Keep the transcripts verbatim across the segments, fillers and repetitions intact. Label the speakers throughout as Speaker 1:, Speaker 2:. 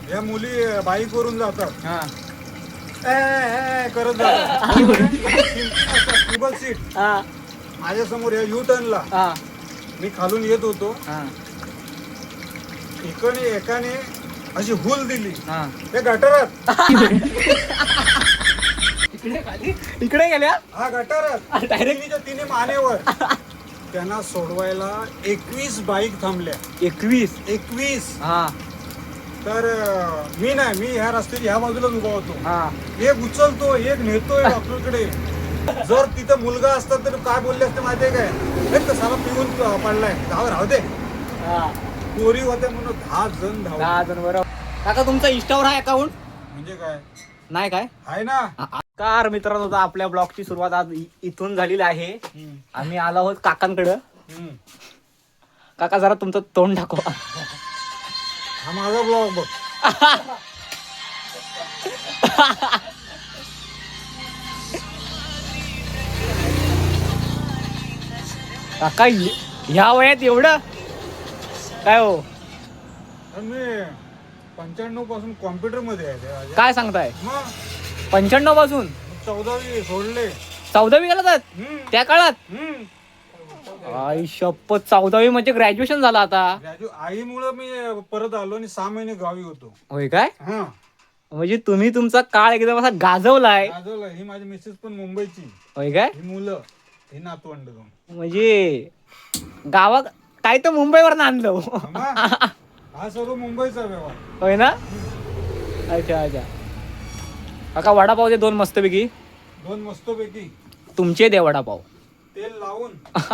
Speaker 1: या मुली बाईक वरून जातात
Speaker 2: हा
Speaker 1: ए, ए, ए, करत जातात ट्रिपल सीट
Speaker 2: हा
Speaker 1: माझ्या समोर या यू टर्नला
Speaker 2: हा
Speaker 1: मी खालून येत होतो
Speaker 2: हा
Speaker 1: इकडे एकाने अशी हुल दिली
Speaker 2: हा
Speaker 1: त्या गटारात
Speaker 2: इकडे गेल्या
Speaker 1: हा गटारात
Speaker 2: डायरेक्ट
Speaker 1: तिने मानेवर त्यांना सोडवायला एकवीस बाईक थांबल्या
Speaker 2: एकवीस
Speaker 1: एकवीस
Speaker 2: हा
Speaker 1: तर अं, मी नाही मी ह्या रस्त्याच्या ह्या बाजूलाच उभा होतो
Speaker 2: हा
Speaker 1: एक उचलतो एक नेतोय डॉक्टरकडे जर तिथं मुलगा असता तर काय बोलले असते माहितीये काय एक तर साला पिऊन पडलाय जाऊ राहू दे
Speaker 2: हा
Speaker 1: पोरी होत्या म्हणून दहा जण धाव
Speaker 2: दहा जण बरोबर. काका तुमचा इंस्टावर आहे अकाउंट
Speaker 1: म्हणजे काय
Speaker 2: नाही काय
Speaker 1: आहे ना
Speaker 2: कार मित्रांनो आता आपल्या ब्लॉगची सुरुवात आज इ- इथून झालेली आहे. आम्ही आलो आहोत काकांकडं.
Speaker 1: हम्म.
Speaker 2: काका जरा तुमचं तोंड दाखवा.
Speaker 1: हा माझा ब्लॉग बघ
Speaker 2: काका य- ह्या वयात एवढं काय हो
Speaker 1: तर मी पंच्याण्णव पासून कॉम्प्युटर मध्ये आहे ते माझ्या.
Speaker 2: काय सांगताय
Speaker 1: मग
Speaker 2: पंच्याण्णव पासून
Speaker 1: चौदावी सोडले
Speaker 2: चौदावी गेला जात
Speaker 1: हम्म.
Speaker 2: त्या काळात
Speaker 1: हम्म.
Speaker 2: आई शपथ चौदावी म्हणजे ग्रॅज्युएशन झालं आता
Speaker 1: राजू आईमुळं मी परत आलो आणि सहा महिने गावी होतो
Speaker 2: होय काय
Speaker 1: हा
Speaker 2: म्हणजे तुम्ही तुमचा काळ एकदम असा गाजवलाय
Speaker 1: गाजवलं ही माझी मिसेस पण मुंबईची
Speaker 2: होय काय
Speaker 1: ही मुलं ही नातवंड दोन
Speaker 2: म्हणजे गावा काय तर मुंबईवर आणलं
Speaker 1: हा हा सर्व मुंबईचा व्यवहार
Speaker 2: होय ना अच्छा अच्छा काका वडापाव दे दोन मस्तपैकी
Speaker 1: दोन मस्तपैकी
Speaker 2: तुमचे दे वडापाव
Speaker 1: तेल लावून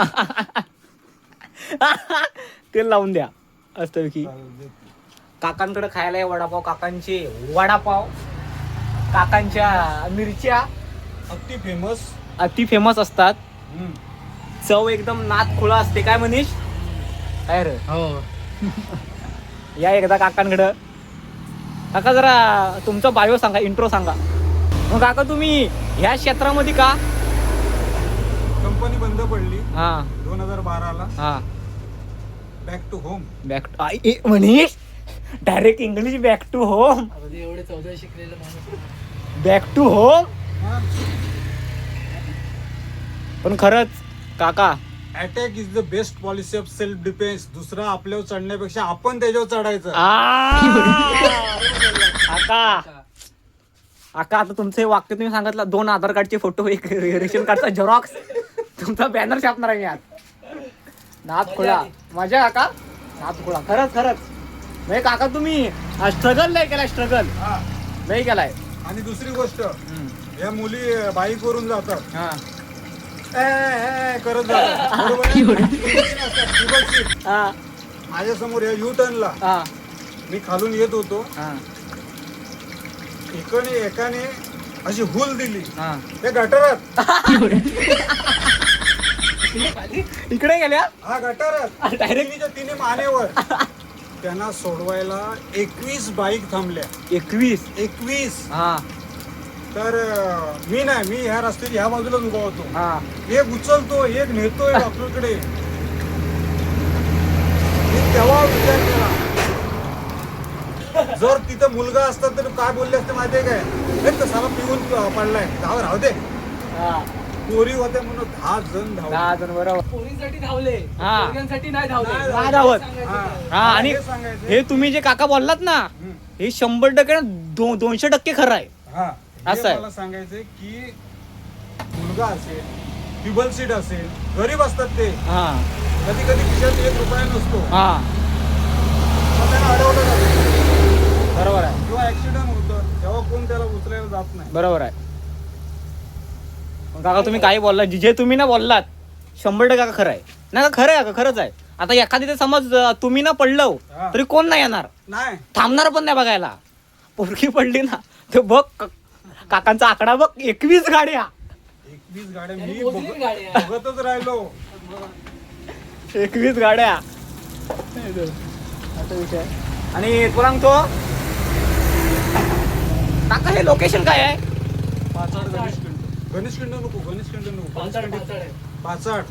Speaker 2: तेल लावून द्या मस्तपैकी
Speaker 1: चालेल.
Speaker 2: काकांकडे खायला आहे वडापाव काकांचे वडापाव काकांच्या मिरच्या
Speaker 1: अगदी फेमस
Speaker 2: अति फेमस असतात चव एकदम नात खुळा असते काय मनीष काय रे
Speaker 1: हो
Speaker 2: या एकदा काकांकडं काका जरा तुमचा बायो सांगा इंट्रो सांगा मग काका तुम्ही ह्या क्षेत्रामध्ये का
Speaker 1: कंपनी बंद पडली
Speaker 2: हा
Speaker 1: दोन हजार बाराला
Speaker 2: हा
Speaker 1: back to home
Speaker 2: back to Manish direct English back to home
Speaker 3: एवढे चौदा शिकलेलं माणूस
Speaker 2: बॅक टू होम पण खरंच काका
Speaker 1: attack is the best policy of self defence दुसरा आपल्यावर चढण्यापेक्षा आपण त्याच्यावर चढायचं
Speaker 2: आ! काका काका आता तुमचं हे वाक्य तुम्ही सांगितलं दोन आधार कार्डचे फोटो एक रेशन कार्डचा झेरॉक्स तुमचा बॅनर छापणार आहे मी आज नाथ खुळा मजा काका नाथ खुळा खरंच खरंच नाही काका तुम्ही स्ट्रगल नाही केलाय स्ट्रगल
Speaker 1: हा.
Speaker 2: नाही केलाय
Speaker 1: आणि दुसरी गोष्ट या मुली बाईक वरून जातात
Speaker 2: हा
Speaker 1: ए, ए, ए, करत जातात बरोबर आहे? ट्रिपल सीट
Speaker 2: हा
Speaker 1: माझ्या समोर या यू टर्नला
Speaker 2: हा
Speaker 1: मी खालून येत होतो
Speaker 2: हा
Speaker 1: इकडे एकाने अशी हुल दिली
Speaker 2: हा
Speaker 1: त्या गटारात
Speaker 2: इकडे गेल्या
Speaker 1: हा गटारात
Speaker 2: Direct?
Speaker 1: तिने तिने मानेवर त्यांना सोडवायला एकवीस बाईक थांबल्या
Speaker 2: एकवीस
Speaker 1: एकवीस
Speaker 2: हा
Speaker 1: तर अं, मी नाही मी ह्या रस्त्याच्या ह्या बाजूलाच उभा होतो
Speaker 2: हा
Speaker 1: एक उचलतो एक नेतोय डॉक्टरकडे मी तेव्हा विचार केला जर तिथं मुलगा असता तर काय बोलले असते माहितीये काय एक तर साला पिऊन पडलाय जाऊ राहू दे
Speaker 2: हा
Speaker 1: पोरी होत्या म्हणून दहा जण धावले.
Speaker 2: दहा जण बरोबर
Speaker 3: पोरींसाठी धावले
Speaker 2: हा.
Speaker 3: पोरग्यांसाठी नाही धावले
Speaker 1: नाही
Speaker 2: नाही धावत.
Speaker 1: हा.
Speaker 2: हा आणि
Speaker 1: हे सांगायचं.
Speaker 2: हे तुम्ही जे काका बोललात ना
Speaker 1: हम्म.
Speaker 2: हे शंभर टक्के ना दो, दोनशे टक्के खरं आहे
Speaker 1: हा
Speaker 2: असं
Speaker 1: हे
Speaker 2: आहे.
Speaker 1: मला सांगायचंय की मुलगा असेल ट्युबल सीट असेल गरीब असतात ते
Speaker 2: हा
Speaker 1: कधी कधी खिशात एक रुपया नसतो
Speaker 2: हा
Speaker 1: मग त्यांना अडवलं जातं
Speaker 2: बरोबर आहे
Speaker 1: किंवा ऍक्सिडेंट होतं तेव्हा कोण त्याला उचलायला जात नाही
Speaker 2: बरोबर आहे मग काका तुम्ही काही बोललात जे- जे तुम्ही ना बोललात शंभर टक्के काका खरं आहे नाही का खरं आहे काका खरंच आहे आता एखादी ते समज अं, तुम्ही ना पडलो
Speaker 1: हा.
Speaker 2: तरी कोण नाही येणार
Speaker 1: नाही
Speaker 2: थांबणार पण नाही बघायला पोरगी पडली ना ते बघ क- काकांचा आकडा बघ एकवीस गाड्या
Speaker 1: एकवीस गाड्या मी
Speaker 3: त्यांनी मोजली
Speaker 1: बघ-
Speaker 3: गाड्या.
Speaker 1: बघतच राहिलो
Speaker 2: एकवीस गाड्या असा विषय आणि तुला सांगतो काका हे लोकेशन काय आहे
Speaker 1: पाचाड गणेश खिंड गणेश खिंड नको गणेश खिंड नको
Speaker 3: पाचाड पाचाड आहे.
Speaker 1: पाचाड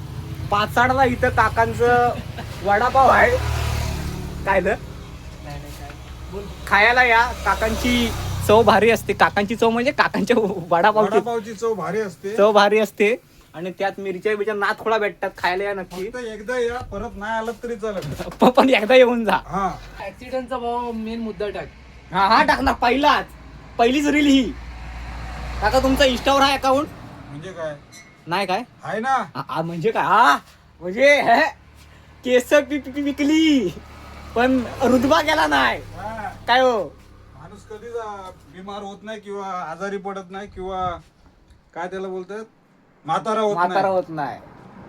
Speaker 2: पाचाडला इथं काकांचं वडापाव आहे काय द
Speaker 3: नाही नाही काय
Speaker 2: खायला या. काकांची चव भारी असते. काकांची चव म्हणजे काकांच्या वडापावची
Speaker 1: वडापावची चव भारी असते.
Speaker 2: चव भारी असते आणि त्यात मिरच्या बिरच्या नाथखोळा भेटतात. खायला या नक्की.
Speaker 1: फक्त एकदा या, परत नाही आलं तरी चालेल.
Speaker 2: प- पण एकदा येऊन जा.
Speaker 1: हा
Speaker 3: ऍक्सिडेंटचा भाव मेन मुद्दा टाक.
Speaker 2: हा हा टाकणार पहिलाच. पहिलीच रील ही. काका तुमचा इंस्टावर आहे अकाउंट?
Speaker 1: म्हणजे काय
Speaker 2: नाही काय
Speaker 1: आहे ना.
Speaker 2: आ- आ, म्हणजे काय हा म्हणजे हे, केस पि- पि- पि- विकली पण रुतबा गेला नाही.
Speaker 1: हा.
Speaker 2: काय हो
Speaker 1: माणूस कधीच आ, बिमार होत नाही किंवा आजारी पडत नाही किंवा काय त्याला बोलतात म्हातारा होत
Speaker 2: म्हातारा
Speaker 1: नाही.
Speaker 2: होत नाही.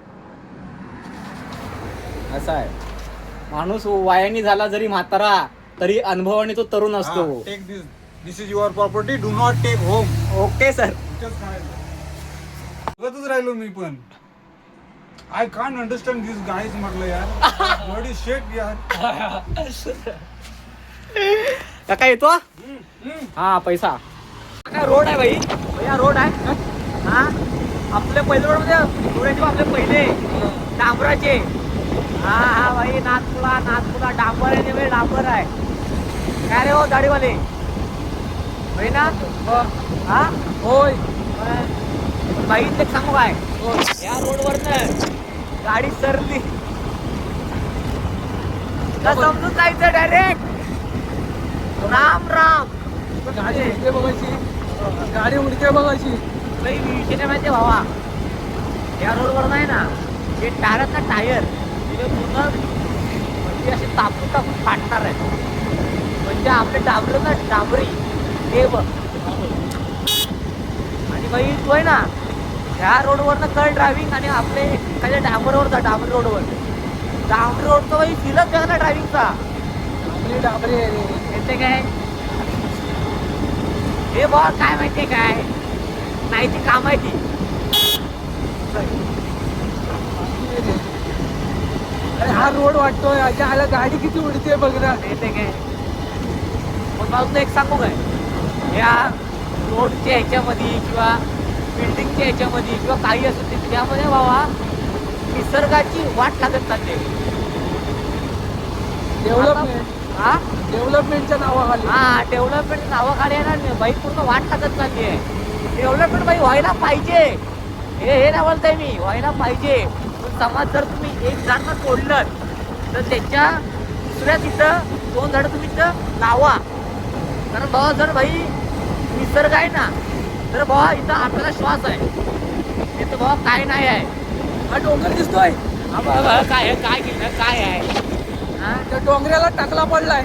Speaker 2: असं आहे. माणूस वयाने झाला जरी म्हातारा तरी अनुभवाने तो तरुण असतो.
Speaker 1: Take this this is your property, do not take home.
Speaker 2: Okay sir.
Speaker 1: बघतच राहिलो मी पण. I can't understand this guys म्हटलं यार. बॉडी शेट यार.
Speaker 2: काका येतो हा पैसा. काय रोड आहे भाई भैया रोड आहे हा. आपले पहिले रोड मध्ये थोड्याचे आपले पहिले डांबराचे. हा हा भाई नाथपुरा नाथपुरा डांबर आहे ते डांबर आहे. काय रे हो दाढीवाले भाई ना हा
Speaker 3: होय.
Speaker 2: भाई ते सांगू काय या रोडवर गाडी सरली का समजून जायचं डायरेक्ट. राम राम.
Speaker 3: गाडी उडते बघायची. गाडी उडते बघायची.
Speaker 2: काही विषय नाही माहिती भावा. या रोडवर नाही ना हे टायर ना टायर तिथे पूर्ण म्हणजे असे तापून तापून फाटणार आहे. म्हणजे आपले डांबर ना डांबरी हे बघ. आणि बाई तू आहे ना ह्या रोडवरनं कर ड्रायव्हिंग आणि आपले एखाद्या डांबरवर जा. डांबरी रोडवर डांबरी रोडचं बाई फिलच बघ ना ड्रायव्हिंगचा.
Speaker 3: डाबरी डाबरी आहे रे.
Speaker 2: येते काय हे बघ काय माहितीये काय नाही ती काम आहे ती.
Speaker 3: अरे हा रोड वाटतोय अशा आला गाडी किती उडते बघ ना.
Speaker 2: येते काय पण मला तुला एक सांगू काय या रोडच्या ह्याच्यामध्ये किंवा बिल्डिंगच्या ह्याच्यामध्ये किंवा काही असू दे त्यामध्ये बाबा निसर्गाची वाट लागत चालते.
Speaker 3: डेव्हलपमेंट
Speaker 2: हा
Speaker 3: डेव्हलपमेंटच्या नावाखाली.
Speaker 2: हा डेव्हलपमेंट नावाखाली आहे ना बाई पूर्ण वाट लागत चालली आहे. डेव्हलपमेंट बाई व्हायला पाहिजे. हे हे नाही बोलताय मी व्हायला पाहिजे. पण समाज जर तुम्ही एक झाड तोडलं तर त्याच्या दुसऱ्या तिथं दोन झाडं तुम्ही तिथं लावा. कारण बाबा जर भाई निसर्ग आहे ना तर बाबा इथं आपल्याला श्वास आहे. इथं बाबा काय नाही आहे.
Speaker 3: हा डोंगर दिसतोय.
Speaker 2: हा बाबा काय आहे काय केलं काय आहे हा
Speaker 3: त्या डोंगराला टाकला पडलाय.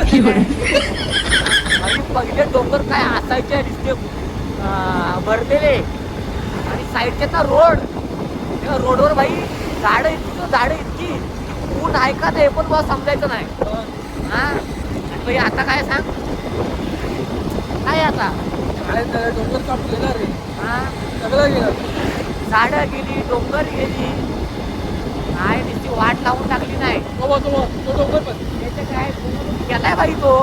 Speaker 2: आणि पहिले डोंगर काय असायचे नुसते भरलेले आणि साईडचे ना रोड त्या रोडवर बाई झाडं इतकी झाडं इतकी ऊन ऐका ते पण बा समजायचं नाही. हा आणि बाई आता काय सांग काय आता
Speaker 3: काय त्याला डोंगर कापलेला रे.
Speaker 2: हा
Speaker 3: सगळं गेलं.
Speaker 2: झाडं गेली डोंगर गेली काय नुसती वाट लावून टाकली नाही.
Speaker 3: तो बघ, तो बघ, तो डोंगर पण
Speaker 2: त्याचे काय केलाय बाई तो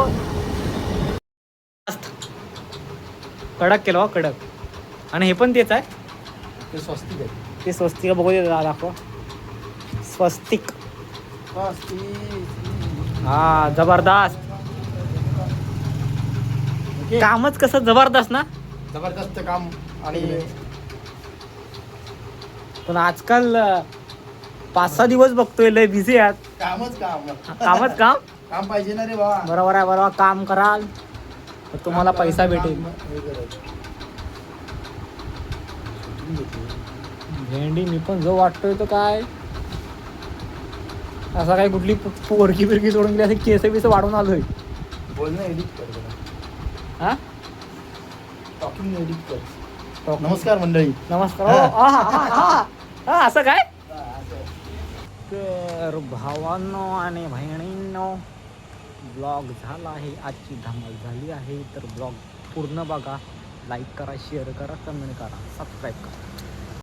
Speaker 2: कडक केलं कडक. आणि हे पण तेच आहे
Speaker 3: ते स्वस्तिक आहे.
Speaker 2: ते स्वस्तिक बघू दे दाखव. स्वस्तिक हा जबरदस्त. कामच कसं जबरदस्त ना.
Speaker 3: जबरदस्त काम. आणि
Speaker 2: पण आजकाल पाच सहा दिवस बघतोय लय बिझी आहात.
Speaker 3: कामच काम.
Speaker 2: कामच काम
Speaker 3: काम पाहिजे ना रे बाबा.
Speaker 2: बरोबर आहे बरोबर. काम कराल तर तुम्हाला पैसा भेटेल. भेंडी मी पण जो वाटतोय तो काय असा काय कुठली पोरकी बिरकी सोडून गेली असं केस बिस वाढून आलोय.
Speaker 3: बोल ना एडिट कर.
Speaker 2: हा
Speaker 3: टॉकिंग एडिट कर. नमस्कार मंडळी.
Speaker 2: नमस्कार. ओ, आ, हा, हा, हा. हा, असं काय तर भावांनो आणि बहिणींनो ब्लॉग झाला आहे. आजची धमाल झाली आहे. तर ब्लॉग पूर्ण बघा. लाईक करा शेअर करा कमेंट करा सबस्क्राईब करा.